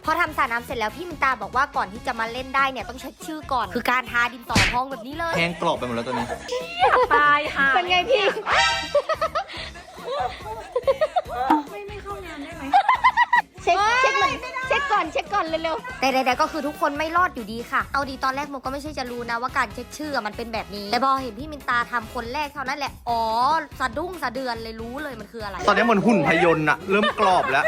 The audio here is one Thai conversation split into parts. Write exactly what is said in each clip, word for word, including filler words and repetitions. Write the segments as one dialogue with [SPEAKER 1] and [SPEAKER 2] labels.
[SPEAKER 1] พอทำสระน้ำเสร็จแล้วพี่มินตาบอกว่าก่อนที่จะมาเล่นได้เนี่ยต้องเช็คชื่อก่อนคือการทาดินสอพองแบบนี้เลย
[SPEAKER 2] แห้งกรอบไปหมดแล้วตัวนี้
[SPEAKER 3] ตายค่ะ
[SPEAKER 1] เป็นไงพี่
[SPEAKER 3] ไม่ไม่เข้างานได้ไหม
[SPEAKER 1] เช็คเช็คเหมือนเช็คก่อนเช็คก่อนเร็วๆแต่ใดๆก็คือทุกคนไม่รอดอยู่ดีค่ะเอาดีตอนแรกโมก็ไม่ใช่จะรู้นะว่าการเช็คชื่อมันเป็นแบบนี้แต่พอเห็นพี่มินตาทำคนแรกเท่านั้นแหละอ๋อสะดุ้งสะเดือนเลยรู้เลยมันคืออะไร
[SPEAKER 2] ตอนนี้เหมือนหุ่นพยนต์อะเริ่มกรอบแล้ว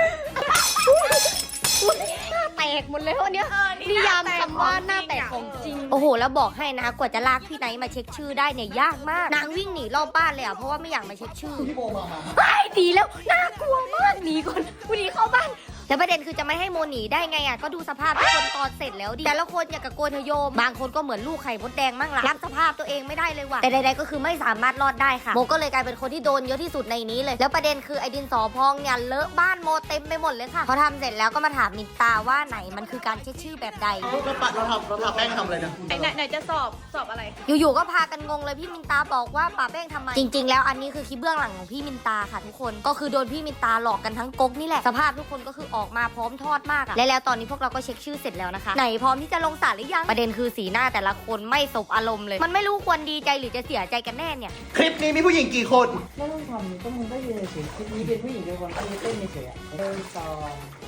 [SPEAKER 1] หน้าแตกหมดเลยวันนี้นิยามคำว่าหน้าแตกของจริงโอ้โหแล้วบอกให้นะกว่าจะลากพี่ไนท์มาเช็คชื่อได้เนี่ยยากมากนางวิ่งหนีรอบบ้านเลยอ่ะเพราะว่าไม่อยากมาเช็คชื่อไอ้ดีแล้วน่ากลัวมากหนีก่อนกูหนีเข้าบ้านแล้วประเด็นคือจะไม่ให้โมหนีได้ไงอ่ะก็ดูสภาพทุกคนตอนเสร็จแล้วดิแต่ละคนอย่างกับโกนเทโยมบางคนก็เหมือนลูกไข่มดแดงมั่งล่ะรับสภาพตัวเองไม่ได้เลยว่ะแต่ใดๆก็คือไม่สามารถรอดได้ค่ะโมก็เลยกลายเป็นคนที่โดนเยอะที่สุดในนี้เลยแล้วประเด็นคือไอ้ดินสอพองเนี่ยเลอะบ้านโมเต็มไปหมดเลยค่ะพอทำเสร็จแล้วก็มาถามมินตาว่าไหนมันคือการเช็คชื่อแบบใด
[SPEAKER 2] เราปัดเราทำเราทำแป้งทำอะไรนะ
[SPEAKER 3] ไหนไหนไหนจะสอบสอบอะไร
[SPEAKER 1] อยู่ๆก็พากันงงเลยพี่มินตาบอกว่าป่าแป้งทำไมจริงๆแล้วอันนี้คือคลิปเบื้องหลังของพี่มินตาค่ะทุกคนก็คือโดนพี่มินตาหลอกกันทั้งก๊กนี่แหละสภาพทุกคนก็คือออกมาพร้อมทอดมากอะและแล้วตอนนี้พวกเราก็เช็คชื่อเสร็จแล้วนะคะไหนพร้อมที่จะลงสารหรือยังประเด็นคือสีหน้าแต่ละคนไม่สบอารมณ์เลยมันไม่รู้ควรดีใจหรือจะเสียใจกันแน่เนี่ย
[SPEAKER 2] คลิปนี้มีผู้หญิงกี่คน
[SPEAKER 4] ไม่ต้องทำก็มึงก็ยืนเฉยๆคลิปนี้เป็นผู้หญิงเป็นคนที่เต้นเฉยๆอ่ะเดินซอง